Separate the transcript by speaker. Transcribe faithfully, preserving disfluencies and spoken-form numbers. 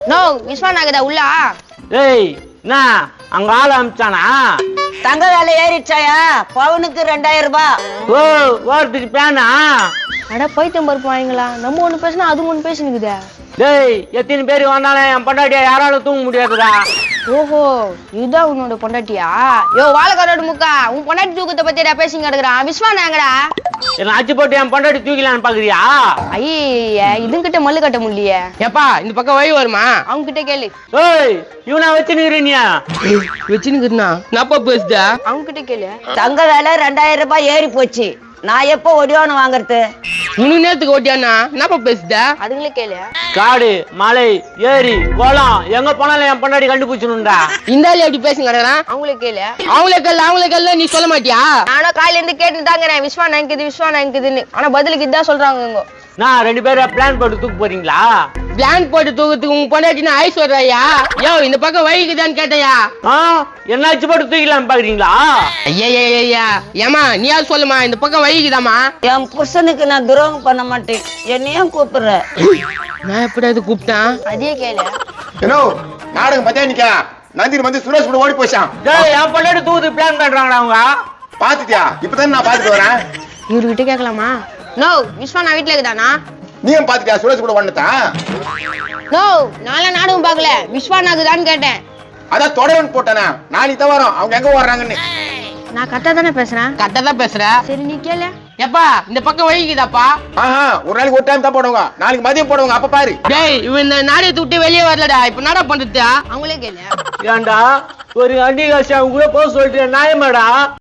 Speaker 1: No விஸ்வாநாகதா உள்ளா.
Speaker 2: ஏய் என்ன அங்க ஆள் அமிச்சானா?
Speaker 3: தங்க வேலை ஏறிச்சாயா? பவுனுக்கு ரெண்டாயிரம் ரூபாய்.
Speaker 2: ஓ ஓரத்துக்கு பேனா?
Speaker 1: அட பைத்தியம் பருப்பு வாங்கிங்களா, நம்ம ஒண்ணு பேசினா அது ஒண்ணு பேசினுக்குதே.
Speaker 2: டேய் எத்தனை பேர் வந்தாலும் என் பொண்டாட்டியா யாராலும் தூங்க முடியாதுடா.
Speaker 1: ஓஹோ இதுதான் உன்னோட பொண்டாட்டியா? யோ வாழைக்காரோட முக்கா, உன் பொண்டாட்டி தூக்கத்தை பத்தியா பேசிங்க கிடக்குறான். விஸ்வாநாங்கடா
Speaker 2: என்ன அச்சு போட்டு என் பொண்டாட்டி தூக்கலான்னு பாக்குறியா?
Speaker 1: ஐய இதுங்கிட்ட மல்லு கட்ட முடியலையே.
Speaker 4: ஏப்பா இந்த பக்கம் வழி வருமா?
Speaker 1: அவங்க கிட்ட கேளு.
Speaker 2: ஏய் இவனா வச்சுனுக்குறீனியா?
Speaker 4: வச்சுனுக்குறா என்னப்பா பேசுத?
Speaker 1: அவங்க கிட்ட கேளு.
Speaker 3: தங்க வேலை ரெண்டாயிரம் ரூபாய் ஏறி போச்சு. நான் எப்போ ஒடியோன்னு வாங்குறது?
Speaker 4: மூணு நேரத்துக்கு ஓட்டியானா என்னப்பா பேசுத?
Speaker 1: அதுங்களே கேளு.
Speaker 2: காடு மலை ஏரி குளம் எங்க போனாலும் என் பொண்டாட்டி கண்டுபிடிச்சணும்டா.
Speaker 4: இந்த ஆளு எப்படி பேசுங்க கிடக்குறான்?
Speaker 1: அவங்களே கேளு.
Speaker 4: அவங்களே கல்ல அவங்களே கல்ல நீ சொல்ல மாட்டியா?
Speaker 1: நானும் காலையில இருந்து கேட்டு தாங்கிறேன் விஸ்வா நாங்குது விஸ்வா நாங்குதுன்னு. ஆனா பதிலுக்கு இதான் சொல்றாங்க இவங்க.
Speaker 2: நான் ரெண்டு பேரும் பிளான் போட்டு தூக்க போறீங்களா?
Speaker 4: பிளான் போட்டு தூக்கத்துக்கு உங்க பொண்டாட்டினா ஐஸ் சொல்றாயா? யோ இந்த பக்கம் வழிக்குதான்னு கேட்டையா?
Speaker 2: ஆ என்ன அச்சு போட்டு தூக்கலான்னு பாக்குறீங்களா?
Speaker 4: ஐயா ஏமா நீ யாரு சொல்லுமா, இந்த பக்கம் வழிக்குதாமா?
Speaker 3: என் புருஷனுக்கு நான் துரோகம் பண்ண மாட்டேன், என்னையும் கூப்பிடுற.
Speaker 4: நான் எப்படியாவது கூப்பிட்டேன்?
Speaker 1: அதே கேளு.
Speaker 5: ஏனோ நாடகம் பத்தியா நிக்கா? நந்தினி வந்து சுரேஷ் கூட ஓடி போச்சான்.
Speaker 2: டேய் என் பொண்டாட்டி தூக்கு பிளான் பண்றாங்கடா அவங்க.
Speaker 5: பாத்துட்டியா? இப்பதான் நான் பாத்துட்டு வரேன்.
Speaker 1: இவர்கிட்ட கேட்கலாமா? நோ விஸ்வா நான் வீட்டுல இருக்குதானா?
Speaker 5: நீயும் பாத்துட்டியா சுரேஷ் கூட வந்துட்டா?
Speaker 1: நோ நான்லாம் நாடகம் பார்க்கல, விஸ்வா நாகுதான்னு கேட்டேன்.
Speaker 5: அதான் தொடரன் போட்டானே நாளைக்கு தான் வரும். அவங்க எங்க வர்றாங்கன்னு
Speaker 1: நான் கரெக்டா தானே பேசுறேன்.
Speaker 4: கரெக்டா தான் பேசுற.
Speaker 1: சரி நீ கேளு.
Speaker 4: எப்பா இந்த பக்கம் வழிக்குதாப்பா?
Speaker 5: ஆஹா ஒரு நாளைக்கு ஒரு டைம் தான் போடுவாங்க, நாளைக்கு மதியம் போடுவாங்க. அப்ப பாரு.
Speaker 4: டேய் இவன் இந்த நாடகத்தை விட்டு வெளியே வரலடா, இப்ப நாடா பண்றது?
Speaker 1: அவங்களே கேளு.
Speaker 2: ஏன்டா ஒரு அண்டி காசு அவங்க கூட போக சொல்லிட்டு நியாயமாடா?